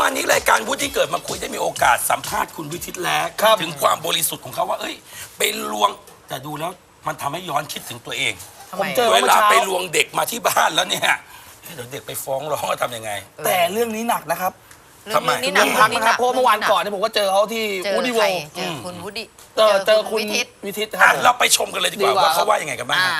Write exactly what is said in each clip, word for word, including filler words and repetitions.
านนี้รายการวุฒิที่เกิดมาคุยได้มีโอกาสสัมภาษณ์คุณวิทิตแล้วถึงความบริสุทธิ์ของเขาว่าเอ้ยไปลวงแต่ดูแล้วมันทำให้ย้อนคิดถึงตัวเองผมเจอเวเมื่อลาเช้าไปลวงเด็กมาที่บ้านแล้วเนี่ยเดี๋ยวเด็กไปฟ้องร้องจะทำยังไงแต่เรื่องนี้หนักนะครับทำไมเรื่องนี้หเรื่นัองกพักเรื่องนะครับเพราะเมื่อวานก่อนหเนี่ยผมก็เจอเขาที่เจอวูดดี้โวใครเจอคุณวุฒิเจอเจอคุณวิทิตวิทิตคอ่ะรับเราไปชมกันเลยดีกว่าดีกว่าว่าเขาว่ายังไงกันบ้างอ่า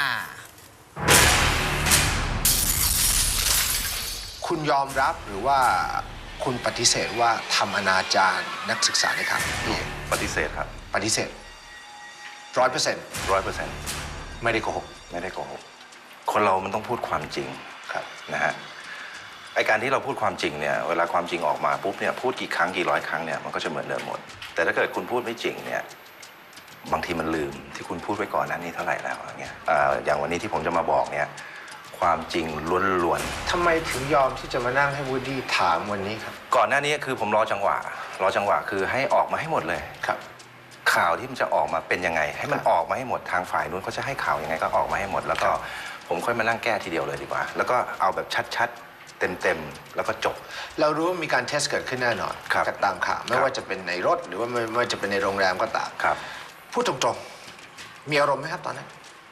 คุณยอมรับหรือว่าคุณปฏิเสธว่าทำอนาจารนักศึกษาในครั้งนี้ปฏิเสธครับปฏิเสธร้อยเปอร์เซ็นต์ร้อยเปอร์เซ็นต์ไม่ได้โกหกไม่ได้โกหกคนเรามันต้องพูดความจริงครับนะฮะไอการที่เราพูดความจริงเนี่ยเวลาความจริงออกมาปุ๊บเนี่ยพูดกี่ครั้งกี่ร้อยครั้งเนี่ยมันก็จะเหมือนเดิมหมด แต่ถ้าเกิดคุณพูดไม่จริงเนี่ยบางทีมันลืมที่คุณพูดไว้ก่อนหนั้นนี้เท่าไหร่แล้วอย่างเงี้ยอ่าอย่างวันนี้ที่ผมจะมาบอกเนี่ยความจริงล้วนทำไมถึงยอมที่จะมานั่งให้วูดดี้ถามวันนี้ครับๆก่อนหน้านี้คือผมรอจังหวะรอจังหวะคือให้ออกมาให้หมดเลยครับข่าวที่มันจะออกมาเป็นยังไง ให้มันออกมาให้หมดทางฝ่ายนู้นเขาจะให้ข่าวยังไงก็ออกมาให้หมด แล้วก็ผมค่อยมานั่งแก้ทีเดียวเลยดีกว่า แล้วก็เอาแบบชัดๆเต็มๆแล้วก็จบเรารู้ว่ามีการเทสเกิดขึ้นแน่นอนครับจากตามข่าวไม่ครับว่าจะเป็นในรถหรือว่าไม่ไม่ว่าจะเป็นในโรงแรมก็ตามครับพูดตรงๆมีอารมณ์ไหมครับตอนนั้น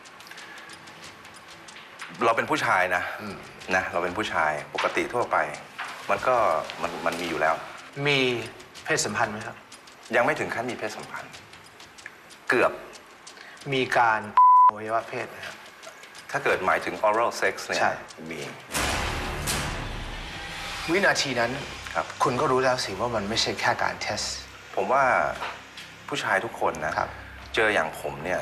เราเป็นผู้ชายนะอืมนะเราเป็นผู้ชายปกติทั่วไป มันก็มันมันมีอยู่แล้วมีเพศสัมพันธ์ไหมครับยังไม่ถึงขั้นมีเพศสัมพันธ์ เกือบมีการอวัยวะเพศไหมครับถ้าเกิดหมายถึง oral sex เนี่ยใช่มีวินาทีนั้นครับคุณก็รู้แล้วสิว่ามันไม่ใช่แค่การเทสผมว่าผู้ชายทุกคนนะครับ เจออย่างผมเนี่ย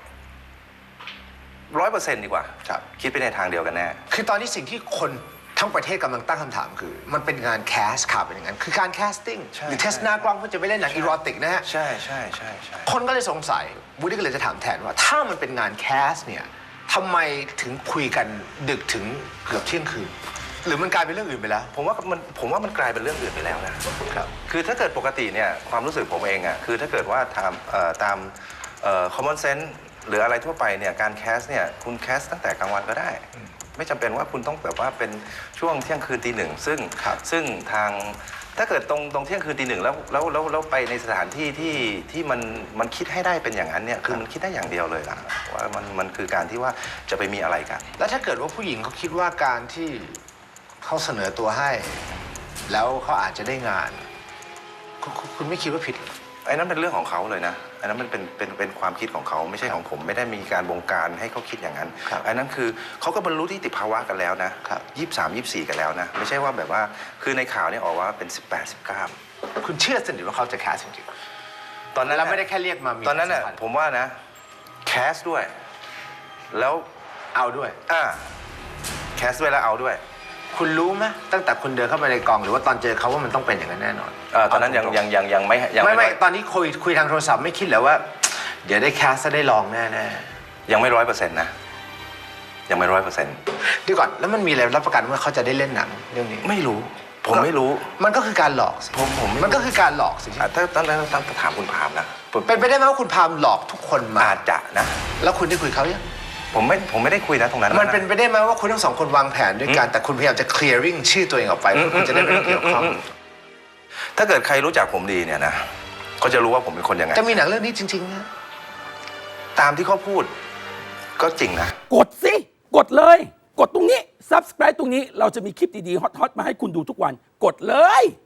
ร้อยเปอร์เซ็นต์ดีกว่าครับคิดไปในทางเดียวกันแน่คือตอนนี้สิ่งที่คนทั้งประเทศกำลังตั้งคำถามคือ มันเป็นงานแคสข่าวเป็นอย่างนั้น คือการแคสติ้งใช่หรือเทสหน้ากล้องเพื่อจะไปเล่นหนังอีโรติกนะฮะใช่ใช่ใช่ใช่คนก็เลยสงสัยวูดดี้ก็เลยจะถามแทนว่า ถ้ามันเป็นงานแคสเนี่ยทำไมถึงคุยกันดึกถึงเกือบเที่ยงคืน หรือมันกลายเป็นเรื่องอื่นไปแล้วผมว่ามันผมว่ามันกลายเป็นเรื่องอื่นไปแล้วนะครับ คือถ้าเกิดปกติเนี่ยความรู้สึกผมเองอ่ะคือถ้าเกิดว่าตามเอ่อตามเอ่อ common sense หรืออะไรทั่วไปเนี่ยการแคสเนี่ยคุณแคสตั้งแต่กลางวันก็ได้ ไม่จำเป็นว่าคุณต้องแบบว่าเป็นช่วงเที่ยงคืนตีหนึ่งซึ่งซึ่งทางถ้าเกิดตรงตรงเที่ยงคืนตีหนึ่งแล้วแล้วแล้วแล้วไปในสถานที่ที่ที่มันมันคิดให้ได้เป็นอย่างนั้นเนี่ยคือมันคิดได้อย่างเดียวเลยล่ะว่ามันมันคือการที่ว่าจะไปมีอะไรกันแล้วถ้าเกิดว่าผู้หญิงเขาคิดว่าการที่เขาเสนอตัวให้ แล้วเขาอาจจะได้งานคุณคุณคุณไม่คิดว่าผิดเหรอไอ้นั้นเป็นเรื่องของเขาเลยนะไอ้นั้นมันเป็นเป็นเป็นความคิดของเขาไม่ใช่ของผมไม่ได้มีการบงการให้เขาคิดอย่างนั้นครับไอ้นั้นคือเขาก็บรรลุที่ติภาวะกันแล้วนะครับ ยี่สิบสามยี่สิบสี่กันแล้วนะไม่ใช่ว่าแบบว่าคือในข่าวเนี่ยออกว่าเป็นสิบแปดสิบเก้าคุณเชื่อสนิทว่าเขาจะแคสจริงตอนนั้นๆเราไม่ได้แค่เรียกมามีตอนนั้นน่ะสัมพัธ์ผมว่านะแคสด้วย แล้วเอาด้วยอ่าแคสด้วยแล้วเอาด้วยคุณรู้ไหมตั้งแต่คุณเดินเข้าไปในกองหรือว่าตอนเจอเขาว่ามันต้องเป็นอย่างนั้นแน่นอนเอ่อตอนนั้นยังยังยังยังไม่ยังไม่ไม่ร้อยตอนนี้คุยคุยทางโทรศัพท์ไม่คิดเหรอว่า เดี๋ยวได้แคสจะได้ลองแน่ยังไม่ร้อยเปอร์เซ็นต์นะยังไม่ร้อยเปอร์เซ็นต์ๆเดี๋ยวก่อนแล้วมันมีอะไรรับประกันว่าเขาจะได้เล่นหนังเรื่องนี้ไม่รู้ ผมไม่รู้มันก็คือการหลอกสิผมผมไม่รู้มันก็คือการหลอกสิอ่ะถ้าตอนนั้นต้องถามคุณพามนะผมเป็นไปได้ไหมว่าคุณพามหลอกทุกคนมาอาจจะนะแล้วคุณได้คุยเขายังผมไม่ผมไม่ได้คุยนะตรงนั้นมันเป็นไปได้ไหมว่าคุณทั้งสองคนวางแผนด้วยกันแต่คุณพยายามจะ clearing ชื่อตัวเองออกไปเพื่อคุณจะได้ไม่ต้องเกี่ยวข้องถ้าเกิดใครรู้จักผมดีเนี่ยนะเขาจะรู้ว่าผมเป็นคนยังไงจะมีหนังเรื่องนี้จริงๆนะตามที่เขาพูดก็จริงนะกดสิ กดเลย กดตรงนี้ ซับสไคร b e ตรงนี้เราจะมีคลิปดีๆ ฮอตๆ มาให้คุณดูทุกวัน กดเลย